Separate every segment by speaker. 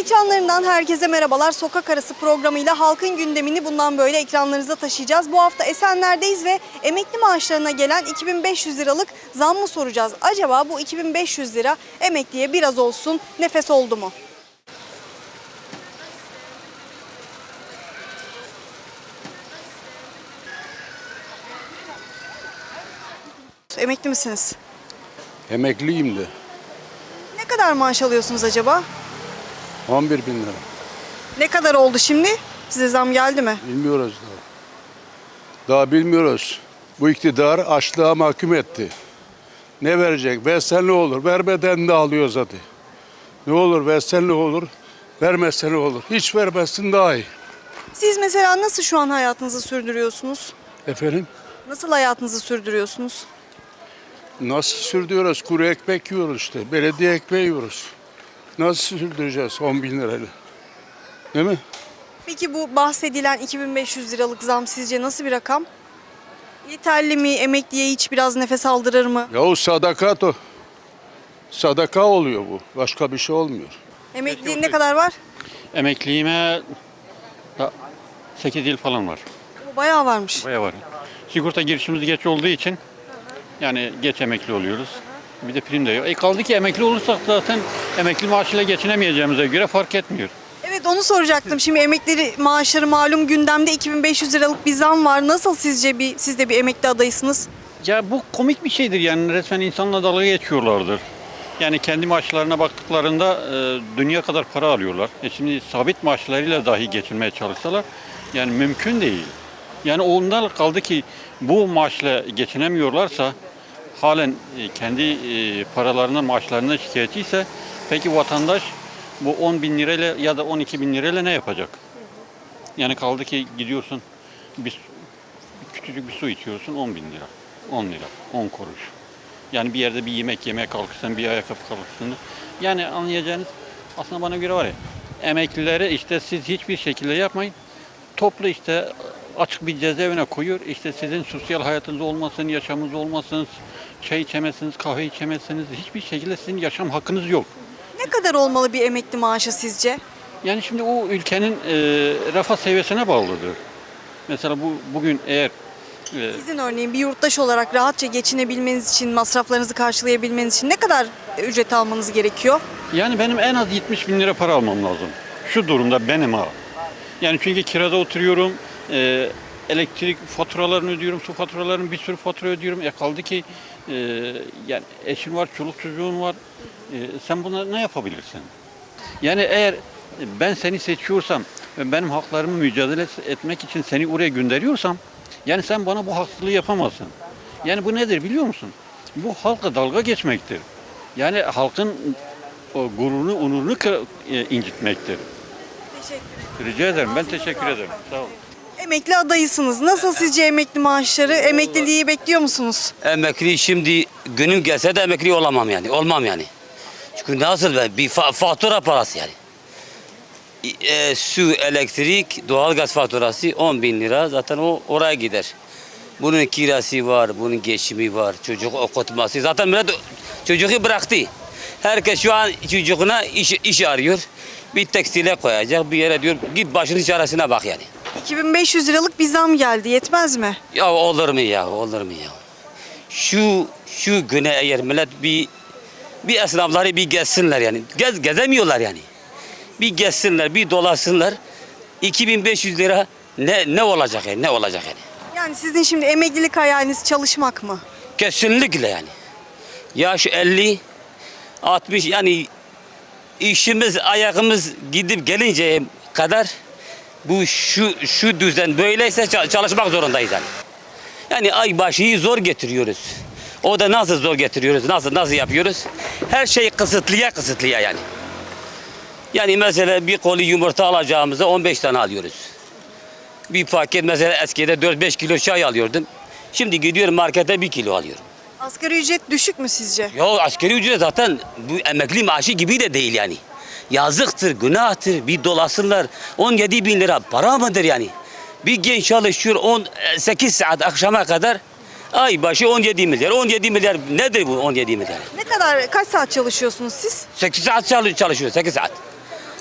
Speaker 1: Ekranlarından herkese merhabalar. Sokak Arası programıyla halkın gündemini bundan böyle ekranlarınıza taşıyacağız. Bu hafta Esenler'deyiz ve emekli maaşlarına gelen 2500 liralık zammı soracağız. Acaba bu 2500 lira emekliye biraz olsun nefes oldu mu? Emekli misiniz?
Speaker 2: Emekliyim de.
Speaker 1: Ne kadar maaş alıyorsunuz acaba?
Speaker 2: 11 bin lira.
Speaker 1: Ne kadar oldu şimdi? Size zam geldi mi?
Speaker 2: Bilmiyoruz daha. Daha bilmiyoruz. Bu iktidar açlığa mahkum etti. Ne verecek? Versen ne olur? Vermeden de alıyor zaten. Ne olur versen ne olur? Vermezsen ne olur? Hiç vermezsin daha iyi.
Speaker 1: Siz mesela nasıl şu an hayatınızı sürdürüyorsunuz?
Speaker 2: Efendim?
Speaker 1: Nasıl hayatınızı sürdürüyorsunuz?
Speaker 2: Nasıl sürdürüyoruz? Kuru ekmek yiyoruz işte. Belediye ekmeği yiyoruz. Nasıl sürdüreceğiz 10 bin lirayla? Değil mi?
Speaker 1: Peki bu bahsedilen 2500 liralık zam sizce nasıl bir rakam? Yeterli mi? Emekliye hiç biraz nefes aldırır mı?
Speaker 2: Yahu sadakat o. Sadaka oluyor bu. Başka bir şey olmuyor.
Speaker 1: Emekli ne kadar var?
Speaker 3: Emekliliğime 8 yıl falan var.
Speaker 1: Bu bayağı varmış.
Speaker 3: Bayağı var. Sigorta girişimiz geç olduğu için yani geç emekli oluyoruz. Bir de prim de yok. Kaldı ki emekli olursak zaten emekli maaşıyla geçinemeyeceğimize göre fark etmiyor.
Speaker 1: Evet, onu soracaktım. Şimdi emekli maaşları malum gündemde, 2500 liralık bir zam var. Nasıl sizce siz de bir emekli adayısınız?
Speaker 3: Ya bu komik bir şeydir yani resmen insanla dalga geçiyorlardır. Yani kendi maaşlarına baktıklarında dünya kadar para alıyorlar. Şimdi sabit maaşlarıyla dahi geçinmeye çalışsalar yani mümkün değil. Yani ondan kaldı ki bu maaşla geçinemiyorlarsa halen kendi paralarından maaşlarından şikayetçiyse peki vatandaş bu 10 bin lirayla ya da 12 bin lirayla ne yapacak? Yani kaldı ki gidiyorsun küçücük bir su içiyorsun 10 bin lira, 10 lira, 10 kuruş. Yani bir yerde bir yemek yemeye kalkırsan, bir ayakkabı kalkırsın. Yani anlayacağınız aslında bana göre var ya, emeklilere işte siz hiçbir şekilde yapmayın. Toplu işte açık bir cezaevine koyuyor. İşte sizin sosyal hayatınız olmasın, yaşamınız olmasın, çay içemezsiniz, kahve içemezsiniz. Hiçbir şekilde sizin yaşam hakkınız yok.
Speaker 1: Ne kadar olmalı bir emekli maaşı sizce?
Speaker 3: Yani şimdi o ülkenin refah seviyesine bağlıdır. Mesela bugün eğer
Speaker 1: Sizin örneğin bir yurttaş olarak rahatça geçinebilmeniz için, masraflarınızı karşılayabilmeniz için ne kadar ücret almanız gerekiyor?
Speaker 3: yani benim en az 70 bin lira para almam lazım. Şu durumda benim ha. Yani çünkü kirada oturuyorum, elektrik faturalarını ödüyorum, su faturalarını bir sürü fatura ödüyorum. Kaldı ki yani eşim var, çoluk çocuğun var. Sen buna ne yapabilirsin? Yani eğer ben seni seçiyorsam ve benim haklarımı mücadele etmek için seni oraya gönderiyorsam yani sen bana bu haksızlığı yapamazsın. Yani bu nedir biliyor musun? Bu halka dalga geçmektir. Yani halkın o gururunu, onurunu incitmektir.
Speaker 1: Teşekkür ederim.
Speaker 3: Rica ederim. Ben teşekkür ederim. Sağ olun.
Speaker 1: Emekli adayısınız. Nasıl sizce emekli maaşları? Emekliliği bekliyor musunuz?
Speaker 4: Emekli şimdi günüm gelse de emekli olamam yani. Olmam yani. Çünkü nasıl bir fatura parası yani. Su, elektrik, doğalgaz faturası 10 bin lira zaten o oraya gider. Bunun kirası var, bunun geçimi var, çocuk okutması. Zaten millet çocuğu bıraktı. Herkes şu an çocuğuna iş arıyor. Bir tekstile koyacak, bir yere diyor git başının çaresine bak yani.
Speaker 1: 2500 liralık bir zam geldi. Yetmez mi?
Speaker 4: Ya olur mu ya, olur mu ya? Şu güne eğer millet bir esnafları bir gezsinler yani. Gezemiyorlar yani. Bir gezsinler, bir dolaşsınlar. 2500 lira ne olacak yani? Ne olacak yani?
Speaker 1: Yani sizin şimdi emeklilik hayaliniz çalışmak mı?
Speaker 4: Kesinlikle yani. Yaş 50, 60 yani işimiz, ayağımız gidip gelinceye kadar şu düzen böyleyse çalışmak zorundayız yani. Yani ay başıyı zor getiriyoruz. O da nasıl zor getiriyoruz? Nasıl yapıyoruz? Her şey kısıtlıya yani. Yani mesela bir koli yumurta alacağımızda 15 tane alıyoruz. Bir paket mesela eskide 4-5 kilo çay alıyordum. Şimdi gidiyorum markete 1 kilo alıyorum.
Speaker 1: Asgari ücret düşük mü sizce?
Speaker 4: Ya asgari ücret zaten bu emekli maaşı gibi de değil yani. Yazıktır, günahtır. Bir dolasınlar. 17 bin lira para mıdır yani? Bir genç çalışıyor 18 saat akşama kadar. Ay başı 17 milyar. 17 milyar nedir bu 17 milyar?
Speaker 1: Kaç saat çalışıyorsunuz siz?
Speaker 4: 8 saat çalışıyor, 8 saat.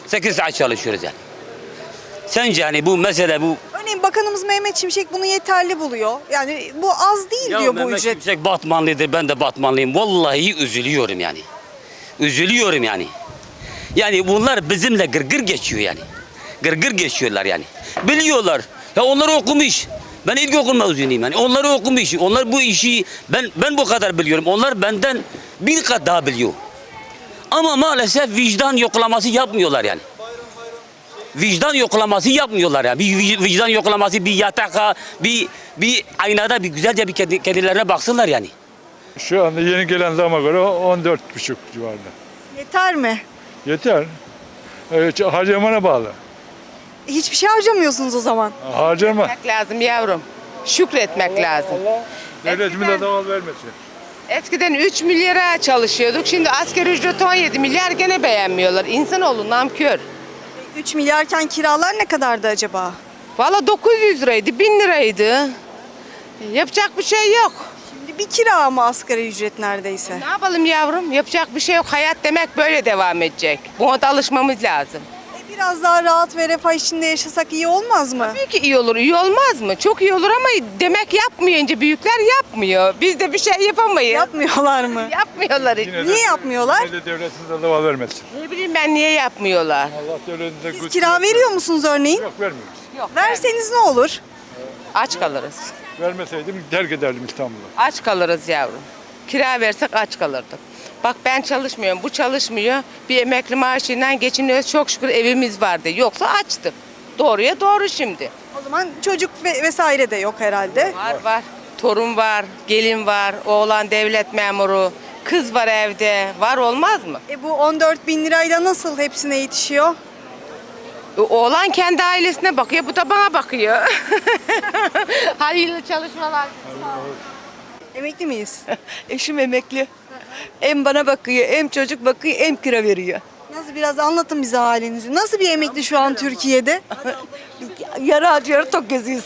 Speaker 4: 8 saat çalışıyoruz yani. Sence yani bu mesele bu.
Speaker 1: Örneğin Bakanımız Mehmet Şimşek bunu yeterli buluyor. Yani bu az değil diyor bu
Speaker 4: Mehmet
Speaker 1: ücret.
Speaker 4: Şimşek Batmanlıdır, ben de Batmanlıyım. Vallahi üzülüyorum yani. Üzülüyorum yani. Yani bunlar bizimle gırgır geçiyor yani. Gırgır geçiyorlar yani. Biliyorlar. Ya onlar okumuş. Ben ilkokul mezunuyum yani. Onlar okumuş. Onlar bu işi ben bu kadar biliyorum. Onlar benden bir kat daha biliyor. Ama maalesef vicdan yoklaması yapmıyorlar yani. Vicdan yoklaması yapmıyorlar yani. Bir vicdan yoklaması, bir yataka, bir aynada bir güzelce bir kendilerine baksınlar yani.
Speaker 5: Şu anda yeni gelen zama göre 14,5 civarında.
Speaker 1: Yeter mi?
Speaker 5: Yeter. Harcamana bağlı.
Speaker 1: Hiçbir şey harcamıyorsunuz o zaman.
Speaker 5: Harcama.
Speaker 6: Şükretmek lazım yavrum. Şükretmek lazım.
Speaker 5: Devletimize daval vermesin.
Speaker 6: Eskiden 3 milyara çalışıyorduk. Şimdi asgari ücret 17 milyar gene beğenmiyorlar. İnsanoğlu namkör.
Speaker 1: 3 milyarken kiralar ne kadardı acaba?
Speaker 6: Valla 900 liraydı, 1000 liraydı. Yapacak bir şey yok.
Speaker 1: Şimdi bir kira ama asgari ücret neredeyse.
Speaker 6: Ne yapalım yavrum? Yapacak bir şey yok. Hayat demek böyle devam edecek. Buna da alışmamız lazım.
Speaker 1: Biraz daha rahat ve refah içinde yaşasak iyi olmaz mı?
Speaker 6: Tabii ki iyi olur. İyi olmaz mı? Çok iyi olur ama demek yapmayınca büyükler yapmıyor. Biz de bir şey yapamayız.
Speaker 1: Yapmıyorlar mı?
Speaker 6: Yapmıyorlar hiç.
Speaker 5: Yine
Speaker 1: Niye yapmıyorlar?
Speaker 5: Yine de devletimize daval vermesin.
Speaker 6: Ne bileyim ben niye yapmıyorlar?
Speaker 5: Allah devletimize
Speaker 1: Siz
Speaker 5: güç
Speaker 1: kira
Speaker 5: versin.
Speaker 1: veriyor musunuz örneğin?
Speaker 5: Yok vermiyoruz.
Speaker 6: Yok.
Speaker 1: Verseniz ne olur?
Speaker 6: Aç kalırız.
Speaker 5: Vermeseydim terk ederdim İstanbul'u.
Speaker 6: Aç kalırız yavrum. Kira versek aç kalırdık. Bak ben çalışmıyorum, bu çalışmıyor. Bir emekli maaşıyla geçiniyoruz. Çok şükür evimiz vardı. Yoksa açtık. Doğruya doğru şimdi.
Speaker 1: O zaman çocuk vesaire de yok herhalde.
Speaker 6: Var. Torun var, gelin var, oğlan devlet memuru, kız var evde. Var olmaz mı?
Speaker 1: Bu 14 bin lirayla nasıl hepsine yetişiyor?
Speaker 6: Oğlan kendi ailesine bakıyor, bu da bana bakıyor. Hayırlı çalışmalar.
Speaker 1: Emekli miyiz?
Speaker 7: Eşim emekli. Hem bana bakıyor, hem çocuk bakıyor, hem kira veriyor.
Speaker 1: Nasıl biraz anlatın bize halinizi. Nasıl bir emekli şu an Türkiye'de?
Speaker 7: Yarı aç yarı tok geziyoruz.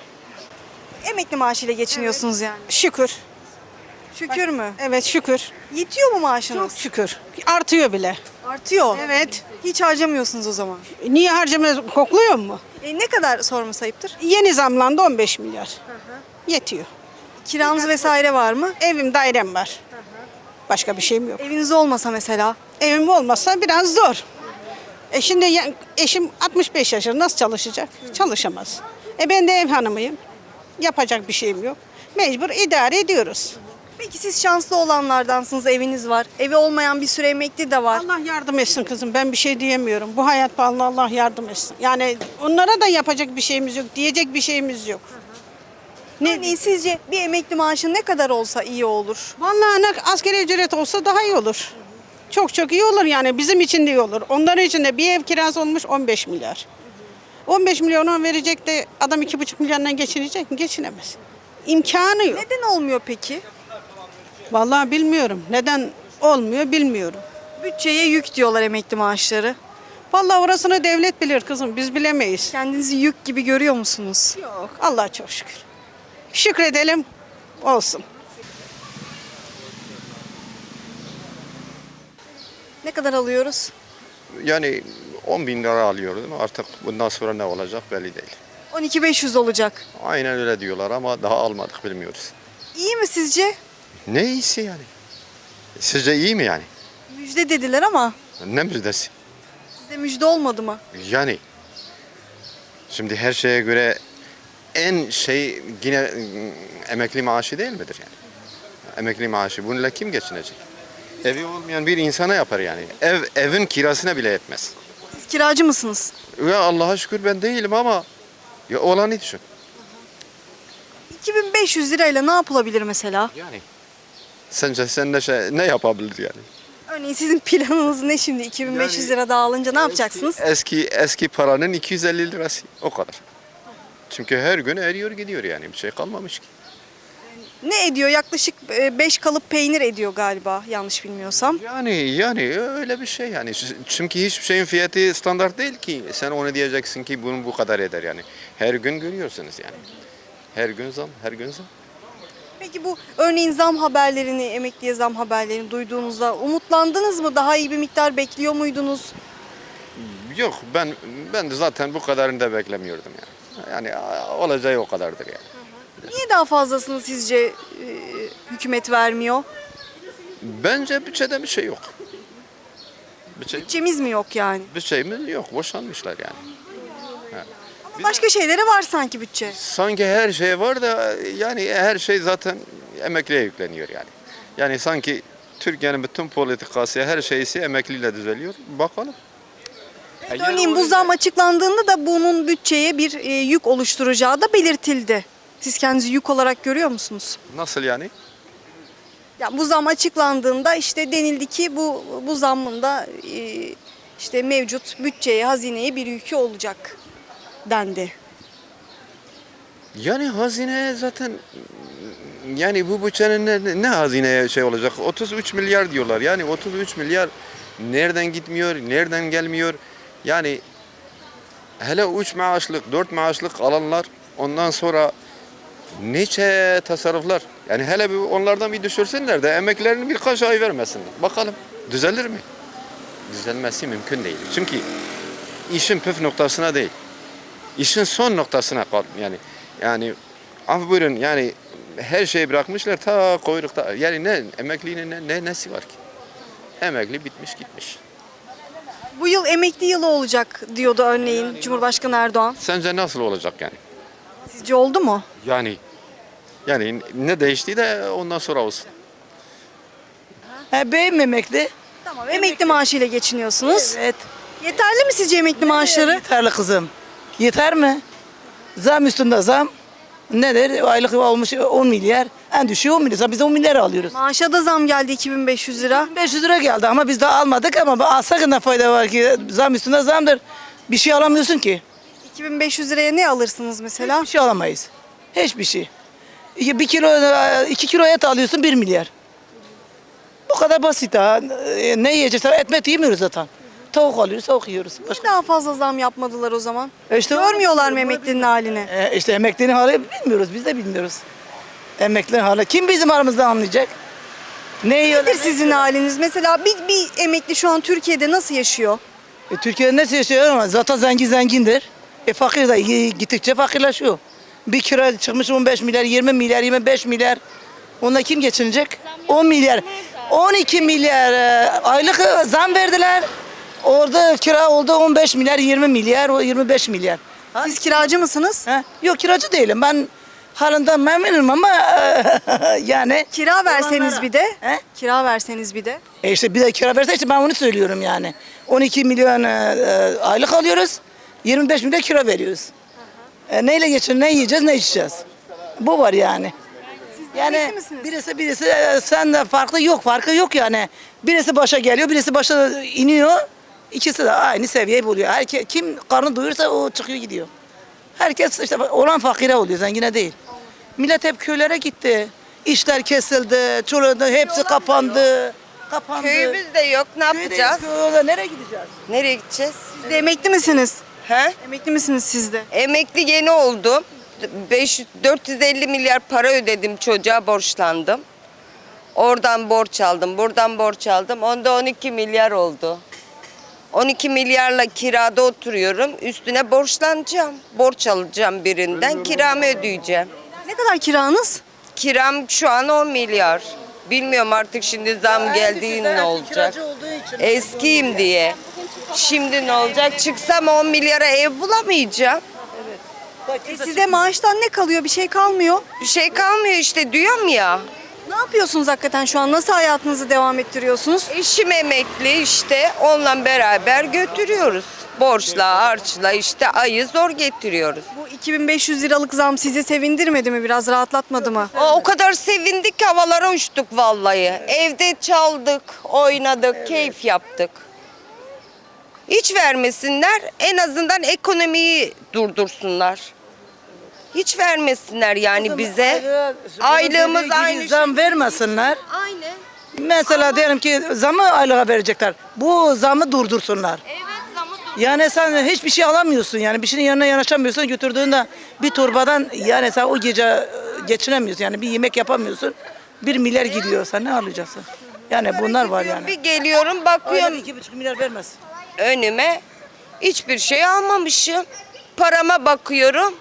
Speaker 1: Emekli maaşıyla geçiniyorsunuz yani.
Speaker 8: Şükür.
Speaker 1: Şükür mü?
Speaker 8: Evet şükür.
Speaker 1: Yetiyor mu maaşınız?
Speaker 8: Çok şükür. Artıyor bile.
Speaker 1: Artıyor.
Speaker 8: Evet.
Speaker 1: Hiç harcamıyorsunuz o zaman.
Speaker 8: Niye harcamıyoruz? Kokluyor mu?
Speaker 1: Ne kadar sorması ayıptır?
Speaker 8: Yeni zamlandı 15 milyar. Yetiyor.
Speaker 1: Kiranız vesaire var mı?
Speaker 8: Evim, dairem var. Başka bir şeyim yok.
Speaker 1: Eviniz olmasa mesela.
Speaker 8: Evim olmazsa biraz zor. Şimdi eşim 65 yaşında nasıl çalışacak? Çalışamaz. Ben de ev hanımıyım. Yapacak bir şeyim yok. Mecbur idare ediyoruz.
Speaker 1: Peki siz şanslı olanlardansınız, eviniz var. Evi olmayan bir sürü emekli de var.
Speaker 8: Allah yardım etsin kızım. Ben bir şey diyemiyorum. Bu hayat pahalı, Allah yardım etsin. Yani onlara da yapacak bir şeyimiz yok. Diyecek bir şeyimiz yok.
Speaker 1: Örneğin sizce bir emekli maaşı ne kadar olsa iyi olur?
Speaker 8: Vallahi asgari ücret olsa daha iyi olur. Çok çok iyi olur yani bizim için de iyi olur. Onların için de bir ev kirası olmuş 15 milyar. 15 milyonu verecek de adam 2,5 milyondan geçinecek mi? Geçinemez. İmkanı yok.
Speaker 1: Neden olmuyor peki?
Speaker 8: Vallahi bilmiyorum. Neden olmuyor bilmiyorum.
Speaker 1: Bütçeye yük diyorlar emekli maaşları.
Speaker 8: Vallahi orasını devlet bilir kızım. Biz bilemeyiz.
Speaker 1: Kendinizi yük gibi görüyor musunuz?
Speaker 8: Yok. Allah'a çok şükür. Şükredelim olsun.
Speaker 1: Ne kadar alıyoruz?
Speaker 9: Yani 10 bin lira alıyoruz ama artık bundan sonra ne olacak belli değil.
Speaker 1: 12.500 olacak.
Speaker 9: Aynen öyle diyorlar ama daha almadık bilmiyoruz.
Speaker 1: İyi mi sizce?
Speaker 9: Ne iyisi yani? Sizce iyi mi yani?
Speaker 1: Müjde dediler ama
Speaker 9: Ne müjdesi?
Speaker 1: size müjde olmadı mı?
Speaker 9: Yani şimdi her şeye göre en şey yine emekli maaşı değil midir yani? Emekli maaşı bununla kim geçinecek? Evi olmayan bir insana yapar yani. Evin kirasına bile yetmez.
Speaker 1: Siz kiracı mısınız?
Speaker 9: Ya Allah'a şükür ben değilim ama ya olanı düşün.
Speaker 1: 2500 lirayla ne yapılabilir mesela?
Speaker 9: Yani sence sen ne yapabilir yani?
Speaker 1: Örneğin sizin planınız ne şimdi? 2500 lira dağılınca ne yapacaksınız?
Speaker 9: Eski paranın 250 lirası o kadar. Çünkü her gün eriyor gidiyor yani bir şey kalmamış ki.
Speaker 1: Ne ediyor? Yaklaşık 5 kalıp peynir ediyor galiba yanlış bilmiyorsam.
Speaker 9: Yani öyle bir şey yani. Çünkü hiçbir şeyin fiyatı standart değil ki. Sen onu diyeceksin ki bunun bu kadar eder yani. Her gün görüyorsunuz yani. Her gün zam, her gün zam.
Speaker 1: Peki bu örneğin zam haberlerini, emekliye zam haberlerini duyduğunuzda umutlandınız mı? Daha iyi bir miktar bekliyor muydunuz?
Speaker 9: Yok ben de zaten bu kadarını da beklemiyordum yani. Yani olacağı o kadardır yani.
Speaker 1: Niye daha fazlasını sizce hükümet vermiyor?
Speaker 9: Bence bütçede bir şey yok.
Speaker 1: Bütçemiz mi yok yani?
Speaker 9: Bir şeyimiz yok. Boşanmışlar yani.
Speaker 1: Ama başka şeylere var sanki bütçe.
Speaker 9: Sanki her şey var da yani her şey zaten emekliye yükleniyor yani. Yani sanki Türkiye'nin bütün politikası her şeysi emekliyle düzeliyor. Bakalım.
Speaker 1: Örneğin bu zam açıklandığında da bunun bütçeye bir yük oluşturacağı da belirtildi. Siz kendinizi yük olarak görüyor musunuz?
Speaker 9: Nasıl yani?
Speaker 1: Ya bu zam açıklandığında işte denildi ki bu zammın da işte mevcut bütçeye, hazineye bir yükü olacak dendi.
Speaker 9: Yani hazine zaten yani bu bütçenin ne hazineye şey olacak? 33 milyar diyorlar. Yani 33 milyar nereden gitmiyor, nereden gelmiyor? Yani hele 3 maaşlık, 4 maaşlık alanlar ondan sonra nice tasarruflar. Yani hele bir onlardan bir düşürsünler de emeklerini birkaç ay vermesinler. Bakalım düzelir mi? Düzelmesi mümkün değil. Çünkü işin püf noktasına değil. İşin son noktasına kal yani af buyurun yani her şeyi bırakmışlar ta kuyrukta. Yani ne emeklinin nesi var ki? Emekli bitmiş gitmiş.
Speaker 1: Bu yıl emekli yılı olacak diyordu örneğin Cumhurbaşkanı Erdoğan.
Speaker 9: Sence nasıl olacak yani?
Speaker 1: Sizce oldu mu?
Speaker 9: Yani ne değişti de ondan sonra olsun.
Speaker 7: Beyim emekli.
Speaker 1: Tamam, emekli maaşıyla geçiniyorsunuz.
Speaker 7: Evet.
Speaker 1: Yeterli mi sizce emekli maaşları?
Speaker 7: Yeterli kızım. Yeter mi? Zam üstünde zam. Nedir? Aylık olmuş 10 milyar. En düşüğü 10 milyar. Biz 10 milyar alıyoruz.
Speaker 1: Maaşa da zam geldi 2500 lira.
Speaker 7: 500 lira geldi ama biz daha almadık ama alsak ne fayda var ki? Zam üstünde zamdır. Bir şey alamıyorsun ki.
Speaker 1: 2500 liraya ne alırsınız mesela?
Speaker 7: Bir şey alamayız. Hiçbir şey. 2 kilo et alıyorsun 1 milyar. Bu kadar basit ha. Ne yiyeceğiz? Etmet yemiyoruz zaten. Tavuk alıyoruz, tavuk yiyoruz.
Speaker 1: Niye daha fazla zam yapmadılar o zaman?
Speaker 7: İşte
Speaker 1: Görmüyorlar mı emeklinin halini?
Speaker 7: İşte emeklinin hali bilmiyoruz. Biz de bilmiyoruz. Emeklinin hali. Kim bizim aramızda anlayacak? Ne yiyorlar?
Speaker 1: Nedir sizin haliniz? Mesela bir emekli şu an Türkiye'de nasıl yaşıyor?
Speaker 7: Türkiye'de nasıl yaşıyor ama zaten zengindir. Fakir de gittikçe fakirleşiyor. Bir kira çıkmış 15 milyar, 20 milyar, 25 milyar. Onunla kim geçinecek? 10 milyar. 12 milyar aylık zam verdiler. Orada kira oldu 15 milyar, 20 milyar, o 25 milyar.
Speaker 1: Siz kiracı mısınız?
Speaker 7: Ha? Yok kiracı değilim. Ben halinden memnunum ama yani.
Speaker 1: Kira verseniz bir de.
Speaker 7: He?
Speaker 1: Kira verseniz bir de.
Speaker 7: İşte bir de kira verse işte ben onu söylüyorum yani. 12 milyon aylık alıyoruz. 25 milyon kira veriyoruz. Neyle geçin, ne yiyeceğiz, ne içeceğiz? Bu var yani. Yani
Speaker 1: emekli misiniz?
Speaker 7: birisi sen de farkı yok yani. Birisi başa geliyor, birisi başa iniyor. İkisi de aynı seviyeyi buluyor. Herkes kim karnı doyursa o çıkıyor gidiyor. Herkes işte olan fakire oluyor, zengine değil. Millet hep köylere gitti. İşler kesildi, çoluğunda hepsi kapandı.
Speaker 6: Köyümüz de yok. Ne yapacağız?
Speaker 7: Köyde nereye gideceğiz?
Speaker 6: Nereye gideceğiz?
Speaker 1: Siz de emekli misiniz?
Speaker 6: He?
Speaker 1: Emekli misiniz siz de?
Speaker 6: Emekli yeni oldum. 450 milyar para ödedim, çocuğa borçlandım. Oradan borç aldım, buradan borç aldım. Onda 12 milyar oldu. 12 milyarla kirada oturuyorum. Üstüne borçlanacağım. Borç alacağım birinden, kiramı ödeyeceğim.
Speaker 1: Ne kadar kiranız?
Speaker 6: Kiram şu an 10 milyar. Bilmiyorum artık şimdi zam geldiğinde ne olacak. Eskiyim diye. Şimdi ne olacak? Çıksam 10 milyara ev bulamayacağım.
Speaker 1: Size maaştan ne kalıyor? Bir şey kalmıyor.
Speaker 6: Bir şey kalmıyor işte diyorum ya.
Speaker 1: Ne yapıyorsunuz hakikaten şu an? Nasıl hayatınızı devam ettiriyorsunuz?
Speaker 6: Eşim emekli işte onunla beraber götürüyoruz. Borçla, harçla işte ayı zor getiriyoruz.
Speaker 1: Bu 2500 liralık zam sizi sevindirmedi mi? Biraz rahatlatmadı mı?
Speaker 6: O kadar sevindik ki havalara uçtuk vallahi. Evde çaldık, oynadık, keyif yaptık. Hiç vermesinler, en azından ekonomiyi durdursunlar. Hiç vermesinler yani bize. Aylığımız aynı.
Speaker 7: Zam vermesinler.
Speaker 6: Aynı.
Speaker 7: Mesela diyelim ki zamı aylığa verecekler. Bu zamı durdursunlar.
Speaker 6: Evet zamı
Speaker 7: Yani sen hiçbir şey alamıyorsun yani bir şeyin yanına yanaşamıyorsun götürdüğünde bir torbadan yani sen o gece geçinemiyorsun yani bir yemek yapamıyorsun 1 milyar gidiyor sen ne alacaksın? Yani bunlar var yani.
Speaker 6: Bir geliyorum bakıyorum
Speaker 7: Aylık 2,5 milyar vermez.
Speaker 6: önüme Hiçbir şey almamışım. Parama bakıyorum.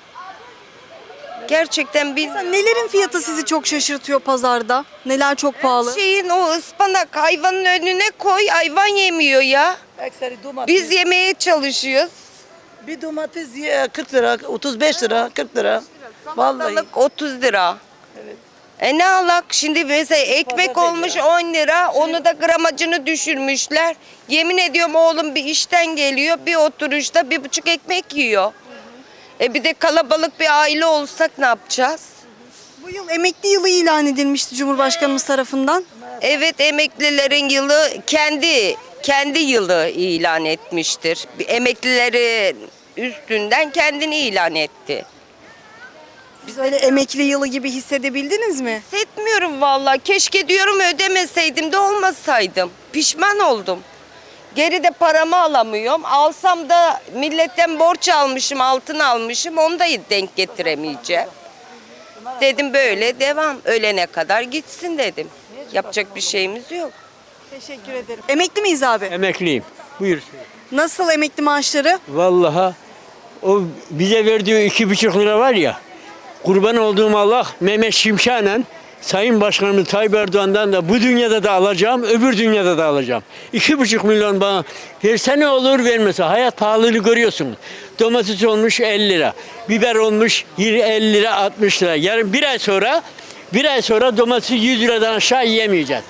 Speaker 6: Gerçekten bilmiyorum.
Speaker 1: Nelerin fiyatı sizi çok şaşırtıyor pazarda? Neler çok pahalı?
Speaker 6: Şeyin o ıspanak hayvanın önüne koy, hayvan yemiyor ya.
Speaker 7: Ekseri domates.
Speaker 6: Biz yemeye çalışıyoruz.
Speaker 7: Bir domates 40 lira, 35 lira, 40 lira. Vallahi.
Speaker 6: Salatalık 30 lira. Ne alak? Şimdi mesela ekmek olmuş 10 lira. Onu da gramajını düşürmüşler. Yemin ediyorum oğlum bir işten geliyor. Bir oturuşta 1,5 ekmek yiyor. Bir de kalabalık bir aile olsak ne yapacağız?
Speaker 1: Bu yıl emekli yılı ilan edilmişti Cumhurbaşkanımız tarafından.
Speaker 6: Evet, emeklilerin yılı kendi yılı ilan etmiştir. Emeklileri üstünden kendini ilan etti.
Speaker 1: Biz öyle emekli yılı gibi hissedebildiniz mi?
Speaker 6: Hissetmiyorum vallahi. Keşke diyorum ödemeseydim de olmasaydım. Pişman oldum. Geri de paramı alamıyorum. Alsam da milletten borç almışım, altın almışım. Onu da denk getiremeyeceğim. Dedim böyle devam. Ölene kadar gitsin dedim. Yapacak bir şeyimiz yok.
Speaker 1: Teşekkür ederim. Emekli miyiz abi?
Speaker 10: Emekliyim. Buyur.
Speaker 1: Nasıl emekli maaşları?
Speaker 10: Vallahi o bize verdiği 2,5 lira var ya, kurban olduğum Allah Mehmet Şimşek'le Sayın Başkanımız Tayyip Erdoğan'dan da bu dünyada da alacağım, öbür dünyada da alacağım. 2,5 milyon bana verse ne olur, vermese. Hayat pahalılığı görüyorsunuz. Domates olmuş 50 lira, biber olmuş 50 lira, 60 lira. Yarın bir ay sonra domatesi 100 liradan aşağı yiyemeyeceğiz.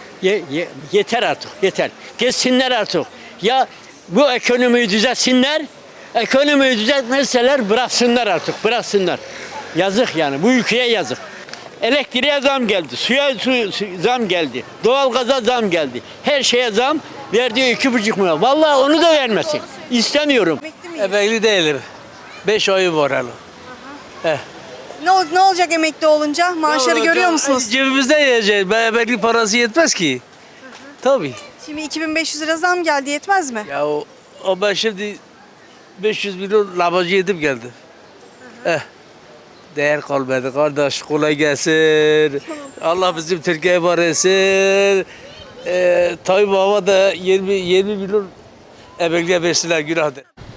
Speaker 10: Yeter artık, yeter. Geçsinler artık. Ya bu ekonomiyi düzeltsinler, ekonomiyi düzeltmezseler bıraksınlar artık, bıraksınlar. Yazık yani, bu ülkeye yazık. Elektriğe zam geldi, suya zam geldi, doğalgaza zam geldi. Her şeye zam, verdiği 2,5 milyon. Vallahi onu da vermesin. İstemiyorum.
Speaker 1: Emekli miyiz?
Speaker 11: Emekli değilim. 5 ayı var hala.
Speaker 1: Ne olacak emekli olunca? Maaşları görüyor musunuz?
Speaker 11: Cebimizde yiyeceğiz. Emekli parası yetmez ki. Tabii.
Speaker 1: Şimdi 2500 lira zam geldi, yetmez mi?
Speaker 11: Ya o ben şimdi 500 milyon lavacı yedim geldim. Değer kalmadı kardeş. Kolay gelsin. Allah bizim Türkiye'ye var etsin. Tayyip Baba da 20 milyon emekliye versinler, günahtır.